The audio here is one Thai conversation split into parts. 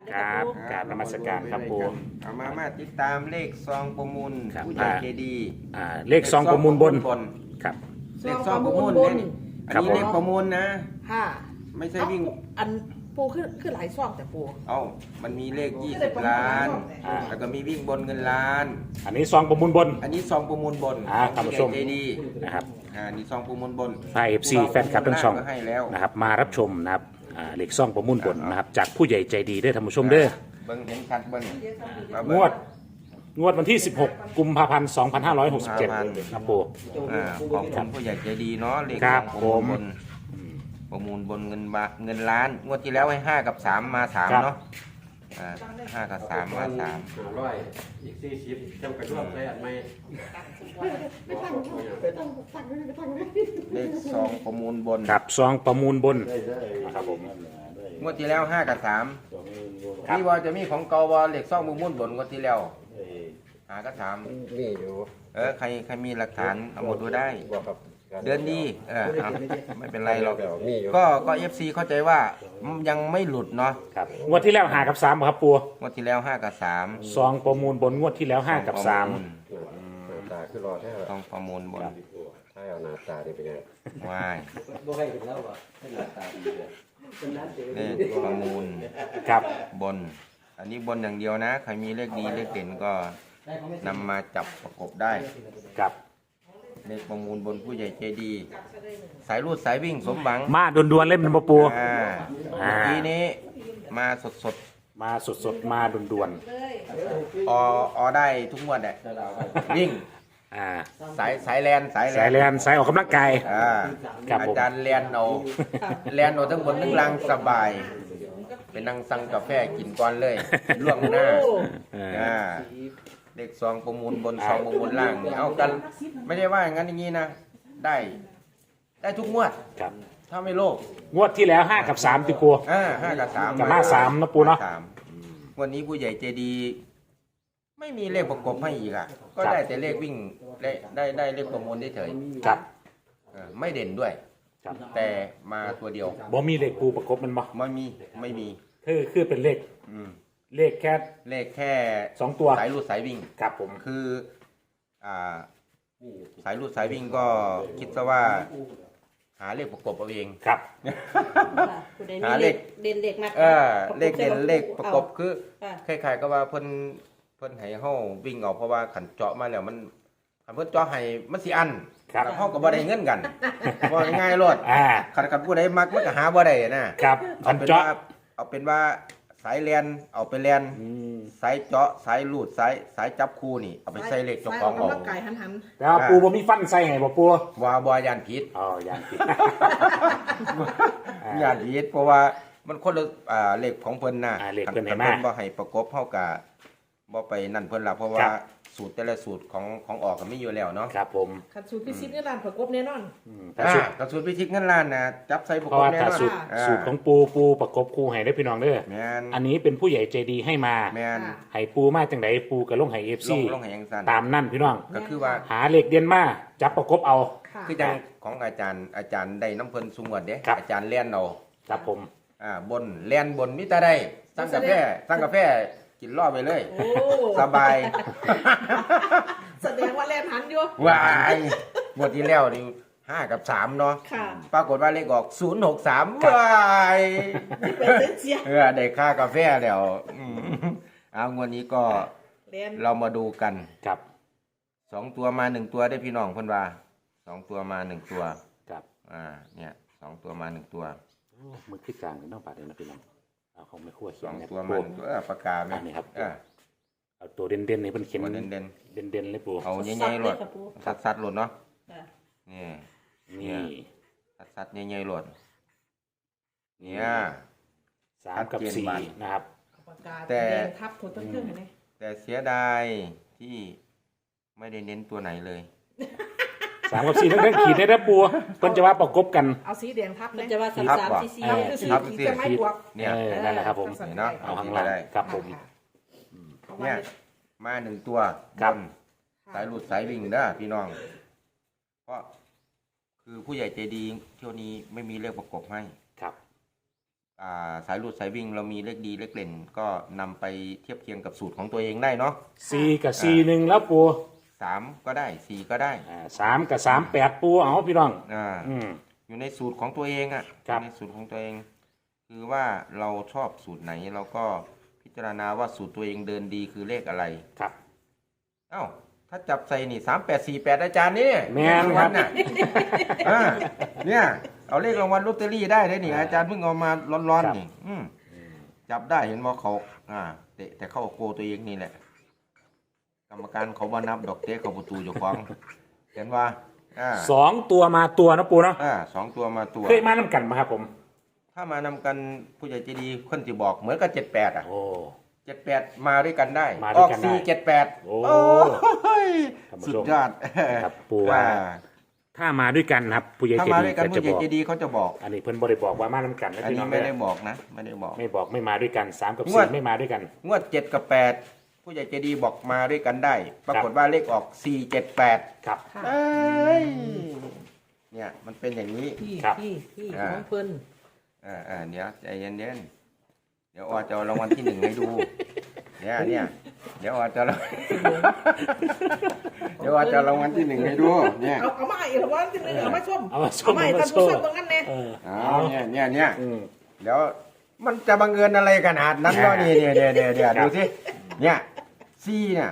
ครับกราบนมัสการครับปูเอามาติดตามเลขซองประมูลครับผู้ใหญ่ใจดีเลขซองประมูลบนครับเลขซองประมูลบเนี่ยนอันครับนี้ผมเลขประมูลนะค่ะไม่ใช่วิ่งอันปูคือหลายซองแต่ปูเอามันมีเลข20 ล้านอ่าแล้วก็มีวิ่งบนเงินล้านอันนี้ซองประมูลบนอันนี้ซองประมูลบนท่านผู้ชมใจดีนะครับนี่ซองประมูลบนไทย FC แฟนคลับทั้งช่องก็ให้แล้วนะครับมารับชมนะครับเลขซองประมูลบนนะครับจากผู้ใหญ่ใจดีเด้อท่านผู้ชมเด้อเบิ้งเห็นชัดเบิ้งมางเบิ่วดวันที่ 16 กุมภาพันธ์ 2567ครับปูขอบคุณผู้ใหญ่ใจดีเนาะเลขคซรัอบ งประมูลบนประมูลบนเงินล้านงวดที่แล้วให้5 กับ 3 มา 3เนาะ5 กับ 3 มา 3 500อีก40จำกัดรอบได้อันไหมเลขซองประมูลบนครับซองประมูลบนได้นะครับผมงวดที่แล้ว5 กับ 3นี่ว่าจะมีของเกาวเลขซองประมูลบนงวดที่แล้ว5 กับ 3 นี่อยู่ใครมีหลักฐานเอาหมดดูได้บอกครับเดือนดีเอาไม่เป็นไรหรอกนี่อยู่ก็ FC เข้าใจว่ายังไม่หลุดเนาะครับงวดที่แล้ว5กับ3ครับปูงวดที่แล้ว5 กับ 3 ซองประมูลบนงวดที่แล้ว5กับ3 หน้าตาคือรอแท้ต้องประมูลบนถ้าเอาหน้าตานี่เป็นไงว่ายบ่ให้เห็นแล้วอ่ะให้หน้าตาดีเลยเลขประมูลครับบน อันนี้บนอย่างเดียวนะใครมีเลขดีเลขเด่นก็นำมาจับประกบได้ครับเลขประมูลบนผู้ใหญ่ใจดี สายรูดสายวิ่งสมหวังมาด่วนๆเล่นเป็นปะปูเมื่อกี้นี้มาสดมาสดๆมาด่วนๆอได้ทุกงวดแหละวิ่งๆสายแลนสายแลนสายออกกำลังกาย ครับผมอาจารย์แลนเอาทั้งบนทั้งล่างสบายเป็นนั่งสั่งกาแฟกินก่อนเลยล่วงหน้า เลขซองประมูลบนซองประมูลล่างนี่เอากันไม่ได้ว่าอย่างนั้นอย่างนี้นะได้ทุกงวดครับถ้าไม่โลภงวดที่แล้ว5กับ3ติปู 5 กับ 3 กับ53นะปูเนาะ 3วันนี้ผู้ใหญ่ใจดี ไม่มีเลขประกบให้อีกอ่ะก็ได้แต่เลขวิ่งได้เลขประมูลเฉยครับๆไม่เด่นด้วยครับแต่มาตัวเดียวบ่มีเลขปูประกบมันบ่ไม่มีคือเป็นเลขอืมเลขแค่เลขแค่ 2 ตัวสายรูดสายวิ่งครับผมคือสายรูดสายวิ่งก็คิดซะว่า หาเลขประกบเอาเองครับหาเลขเด่นเด็กมากเลขเด่นเลขประกบคือค่ะคล้ายๆก็ว่าเพิ่นให้เฮาวิ่งออกเพราะว่าขันเจาะมาแล้วมันขันเพิ่นเจาะให้มันสิอันครับเฮาก็บ่ได้เงินกันบ่ง่ายๆโลด ขันผู้ใดมักมันก็หาบ่ได้นะครับอันเจาะเอาเป็นว่าสายแลนเอาไปแลน สายเจาะสายลูดสายจับคู่นี่เอาไปใส่เลขเจ้าของอเอากกำลังกายหันแต่ว่าปูบ่มีฟันใส่ให้บ่ปูว่าบ่ยานผิดอ๋ออย่างผิดยานผิดเพราะว่ามันคนละเลขของเพิ่นน่ะเลขเพิ่นให้คัมาเพิ่นบ่ให้ประกบเฮาก็บ่ไปนั่นเพิ่นล่ะเพราะว่าครับสูตรแต่ละสูตรของออกก็มีอยู่แล้วเนาะครับผมขัดสูตรพิชิตนี่ร้านประกบแน่นอนถ้าสุดกับสูตรพิชิตเงินล้านน่ะจับใส่ประเพกราะบว่าแน่ถ้านอนสูตรของปูประกบคู่ให้ได้อพี่น้องเด้อแม่นอันนี้เป็นผู้ใหญ่ใจดีให้มาแม่นให้ปูมาจังไดปูกับลงให้ FC ลงให้ยังซั่นตามนั่นพี่น้องก็คือว่าหาเลขเด่นมาจับประกบเอาค่ะคือจังของอาจารย์ได้น้ำเพิ่นสุงวดเด้ครับอาจารย์เลียนเอาครับผมบนเลียนบนมิตรได้สั่งกาแฟกินรอบไปเลยโอ้สบายแสดงว่าแล่นหันอยู่วายหมดที่แล้วนี่5 กับ 3เนาะค่ะปรากฏว่าเลขออก063วายเป็นเสียได้ค่ากาแฟแล้วเอางวดนี้ก็เล่นเรามาดูกันครับ 2 ตัวมา1ตัวได้พี่น้องเพิ่นว่า2ตัวมา1ตัวครับเนี่ย2ตัวมา1ตัวมือขึ้นกลางน้องปัดเลยนะพี่น้องเอาของไม่คั่วเขียน 2 นะตัวปูมา1ตัวปากกาแม่อันนี้ครับเออเอาตัวเด่นๆนี่เพิ่นเขียนตัวเด่นเด่นๆเลยปูๆเอาใหญ่ๆโลดสัดๆโลดเนาะค่ะนี่นี่สัดๆใหญ่ๆโลดเนี่ย 3 กับชัดเจนบัด 4นะครับปากกาแต่แดงทับคนต้นเครื่องเห็นไหมแต่เสียดายที่ไม่ได้เน้นตัวไหนเลย 3 กับ4ทั้งขีดได้นะปูเพิ่นจะว่าประกบกันเอาสีแดงทับมันจะว่าทับ 3 ว่ะ 4 4 เออคือสีทับขีดสิจะไม่บวกเนี่ยนั่นแหละครับผมเนาะเอาข้างล่างครับผมเนี่ยมา1ตัวครับนสายหลุดสายวิ่งเด้อพี่น้อง เพราะคือผู้ใหญ่ใจดีเที่ยวนี้ไม่มีเลขประกบให้ครับสายรูดสายวิ่งเรามีเลขดีเลขเด่นก็นำไปเทียบเคียงกับสูตรของตัวเองได้เนาะ 4 กับ 4 1 แล้วปู 3ก็ได้4ก็ได้ 3 กับ 3 8 ปูเอาพี่น้องอ่าอืมอยู่ในสูตรของตัวเองอ่ะครับในสูตรของตัวเอง คือว่าเราชอบสูตรไหนเราก็พิจารณาว่าสูตรตัวเองเดินดีคือเลขอะไรครับเอ้าถ้าจับใส่นี่3848อาจารย์นี่แม่นรางครัวับลน่ะอ่าเนี่ยเอาเลขรางวัลลอตเตอรี่ได้เลยนี่อาจารย์เพิ่งเอามาร้อนๆนี่จับได้เห็นว่าเขาแต่เข้าโกตัวเองนี่แหละ กรรมการเขาบ่นับดอกเต้เขาประตูอยู่ฟังเห็นว่า 2 ตัวมาตัวนะปูเนาะ 2 ตัวมาตัวเคยมานำกันมาครับผมถ้ามานำกันผู้ใหญ่ใจดีคนที่บอกเหมือนกับ78อ่ะโอ้ 78มาด้วยกันได้มาด้วยกันได้ออก478 โอ้ยท่านผู้สุชดมยอดครับปูว่าถ้ามาด้วยกันครับผู้ใหญ่ถ้าใจมาดีด้วยกันก็ผู้จะใหญ่บอกใจดีเขาจะบอกอันนี้เพิ่นบ่ได้บอกว่ามานำกันนะอันพี่น้นี้องไม่เด้ได้อบอกนะไม่ได้บอกไม่บอกไม่มาด้วยกัน3กับงวด 4ไม่มาด้วยกันงวด7กับ8ผู้ใหญ่ใจดีบอกมาด้วยกันได้ ปรากฏว่าเลขออก478 ครับค่ะเอ้ยเนี่ยมันเป็นอย่างนี้พี่ครับพี่ของเพิ่นเดี๋ยวใจเย็นๆเดี๋ยวอจะเอารางวัลที่ 1ให้ดูเนี่ยเดี๋ยวอจะเดี๋ยวอจะเอารางวัลที่ 1ให้ดูเนี่ยเอามาอีกรางวัลที่หนึ่งเอามาชมเอามาชมให้ท่านผู้ชมตรงนั้นแน่เอาเนี่ยอืมเดี๋ยวมันจะบังเอิญอะไรขนาดนั้นเนาะนี่เนี่ยดูสิเนี่ยซีเนี่ย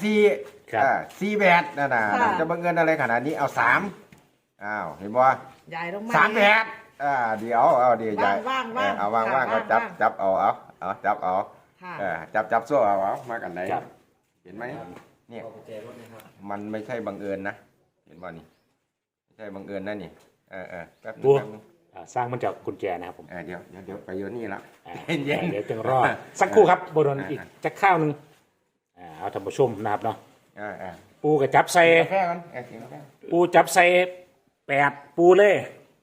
8448นั่นน่ะจะบังเอิญอะไรขนาดนี้เอา3เห็นบ่ใหญ่ลงมา 38เดี๋ยวเอาใหญ่ว่างๆเอาว่างๆก็จับเอาจับเอาค่ะจับโซ่เอามากันไหนครับเห็นไหมเนี่ยมันไม่ใช่บังเอิญนะเห็นบ่นี่ไม่ใช่บังเอิญนะนี่แป๊บนึงสร้างมันจากกุญแจนะครับผมเดี๋ยวไปอยู่นี่ละเดี๋ยวจึงรอสักครู่ครับบโดนอีกจักข้าวหนึงเอาท่านผู้ชมนะครับเนาะปูกับจับใส่กาแฟกันกินกาแฟปูจับใส่8ปูเลย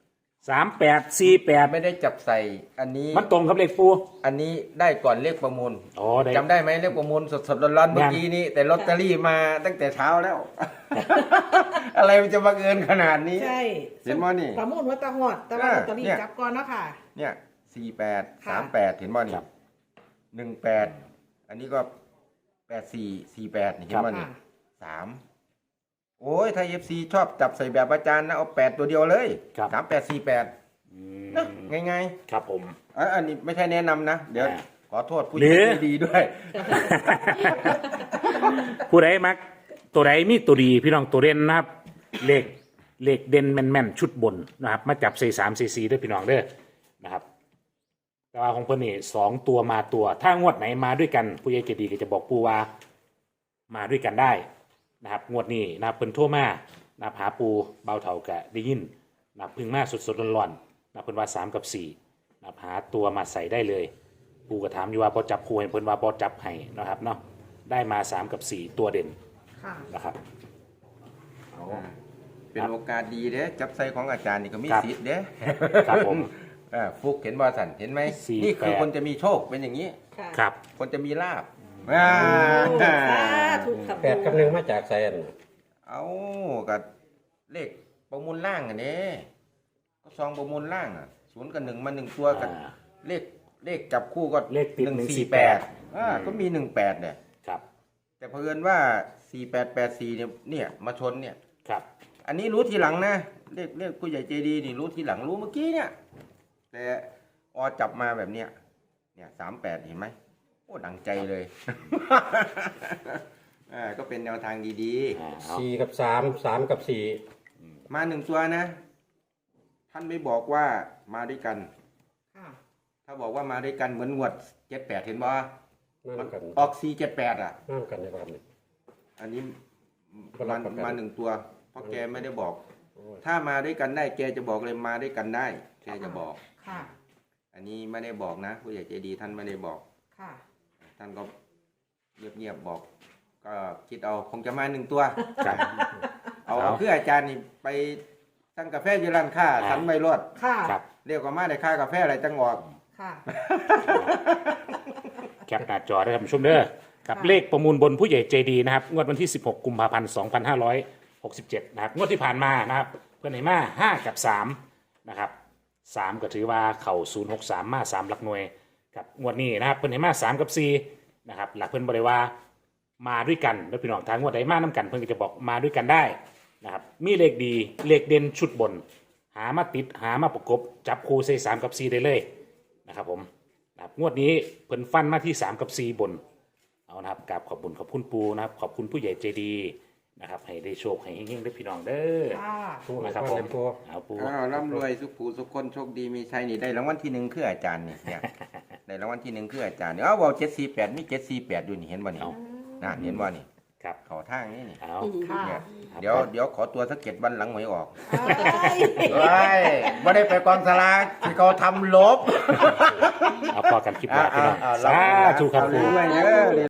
3848 ไม่ได้จับใส่อันนี้มันตรงกับเลขปูอันนี้ได้ก่อนเลขประมูลอ๋อได้จำได้ไหมเลขประมูลสดๆร้อนๆเมื่อกี้นี้แต่ลอตเตอรี่มาตั้งแต่เช้าแล้ว อะไรมันจะบังเอิญขนาดนี้ใช่เห็นบ่นี่ประมูลวัตตะหอดแต่ว่าลอตเตอรี่เนี่ยจับก่อนเนาะค่ะเนี่ย48 ค่ะ 38เห็นบ่นี่18อันนี้ก็8448นี่เห็นบ่นี่ค่ะ 3โอ้ยถ้า FC ชอบจับใส่แบบอาจารย์นะเอา8ตัวเดียวเลยครับ 3848 อืมนะง่ายครับผมๆอันนี้ไม่ใช่แนะนำนะ เดี๋ยวอ่าขอโทษผู้หรือใจดีด้วยผู้ใดมักตัวใดมีตัวดีพี่น้องตัวเด่นนะครับเลขเด่นแม่นๆชุดบนนะครับมาจับใส่3 4ด้วยพี่น้องเด้อนะครับแต่ว่าของเพิ่นนี่2ตัวมาตัว ถ้างวดไหนมาด้วยกันผู้ใหญ่ใจดีก็จะบอกปูว่ามาด้วยกันได้นะครับงวดนี้นะครับเพิ่นโทรมานะครับหาปูเบาเท่ากะได้ยินนะครับเพึ่งมาสดๆร้อนๆนะครับเพิ่นว่า3กับ4นะครับหาตัวมาใส่ได้เลย ปูก็ถามอยู่ว่าพอจับคู่ให้เพิ่นว่าพอจับให้นะครับเนาะได้มา3กับ4ตัวเด่นค่ะนะครับเป็นโอกาสดีเด้จับใส่ของอาจารย์นี่ก็มีครับสิทธิ์เด้ครับผมฟุกเห็นบ่สันเห็นไหม 48 นี่คือคนจะมีโชคเป็นอย่างนี้ค่ะครับคนจะมีลาบโอ้สาธุครับ 8 กับ 1มาจากไสอันเอากับเลขประมูลล่างอันนี้ก็ซองประมูลล่าง0 กับ 1มา1ตัวกัน เลขจับคู่ก็เลขติด 148ก็มี18เนี่ยครับแต่เผอิญว่า4884เนี่ยมาชนเนี่ยครับอันนี้รู้ทีหลังนะเรียกผู้ใหญ่ใจดีนี่รู้ทีหลังรู้เมื่อกี้เนี่ย แต่จับมาแบบเนี้ยเนี่ย38เห็นไหมโอ้ดังใจเลย ก็เป็นแนวทางดีเอา 4 กับ 3 3 กับๆ มา1ตัวนะ ท่านไม่บอกว่ามาด้วยกันค่ะถ้าบอกว่ามาด้วยกันเหมือนงวด78เห็นบ่ 4นั่นกันออก478 นั่นกันในความนี้อันนี้ก็รับประกันมา1ตัวเพราะแกไม่ได้บอกโอ้ยถ้ามาด้วยกันได้แกจะบอกเลยมาด้วยกันได้แกจะบอกค่ะอันนี้ไม่ได้บอกนะผู้ใหญ่ใจดีท่านไม่ได้บอกค่ะท่านก็เงียบๆบอก ก็คิดเอาคงจะมา1ตัวครับเอาเพื่ออาจารย์นี่ไปสั่งกาแฟอยู่ร้านค้าทันไม่รอดค่ะครับเรียกว่ามาได้ค่ากาแฟอะไรจังออกค่ะแคปหน้าจอได้ท่านผู้ชมเด้อกับเลขประมูลบนผู้ใหญ่ใจดีนะครับงวดวันที่16กุมภาพันธ์2567นะครับงวดที่ผ่านมานะครับเพื่อนไหนมา5กับ3นะครับ 3ก็ถือว่าเข่า063มา3หลักหน่วยครับงวดนี้นะครับเพิ่นให้มา3กับ4นะครับหลักเพิ่นบ่ได้ว่ามาด้วยกันแล้วพี่น้องทางงวดใดมานํกันเพิ่นก็จะบอกมาด้วยกันได้นะครับมีเลขดีเลขเด่นชุดบน หามาติดหามาประกบจับคู่ใส่3กับ4ได้เลยนะครับผมนะครับงวดนี้เพิ่นฟันมาที่3กับ4บนเอานะครับกราบขอบคุณปูนะครับขอบคุณผู้ใหญ่ใจดีนะครับให้ได้โชคให้เฮงๆได้พี่น้องเด้อค่ะผู้นะครับผมผู้เอาปูอ้าวร่ำรวยสุขผูสุขคนโชคดีมีชัยนี่ได้รางวัลที่หนึ่งคืออาจารย์นี่เนี่ย ได้รางวัลที่หนึ่งคืออาจารย์เนี่ยเอาบอก748มี748อยู่นี่เห็นบ่นี่นะเห็นบ่นี่ครับเขาทางนี่นี่เอาค่ะเนี่ยเดี๋ยวขอตัวสัก7 วันหลังหวยออกเอ้ยเฮ้ยไม่ได้ไปกองสลากที่เขาทำลบเอาพอกันคลิปหน้าพี่น้องอ่าสาธุครับเอาปูเรื่อยๆ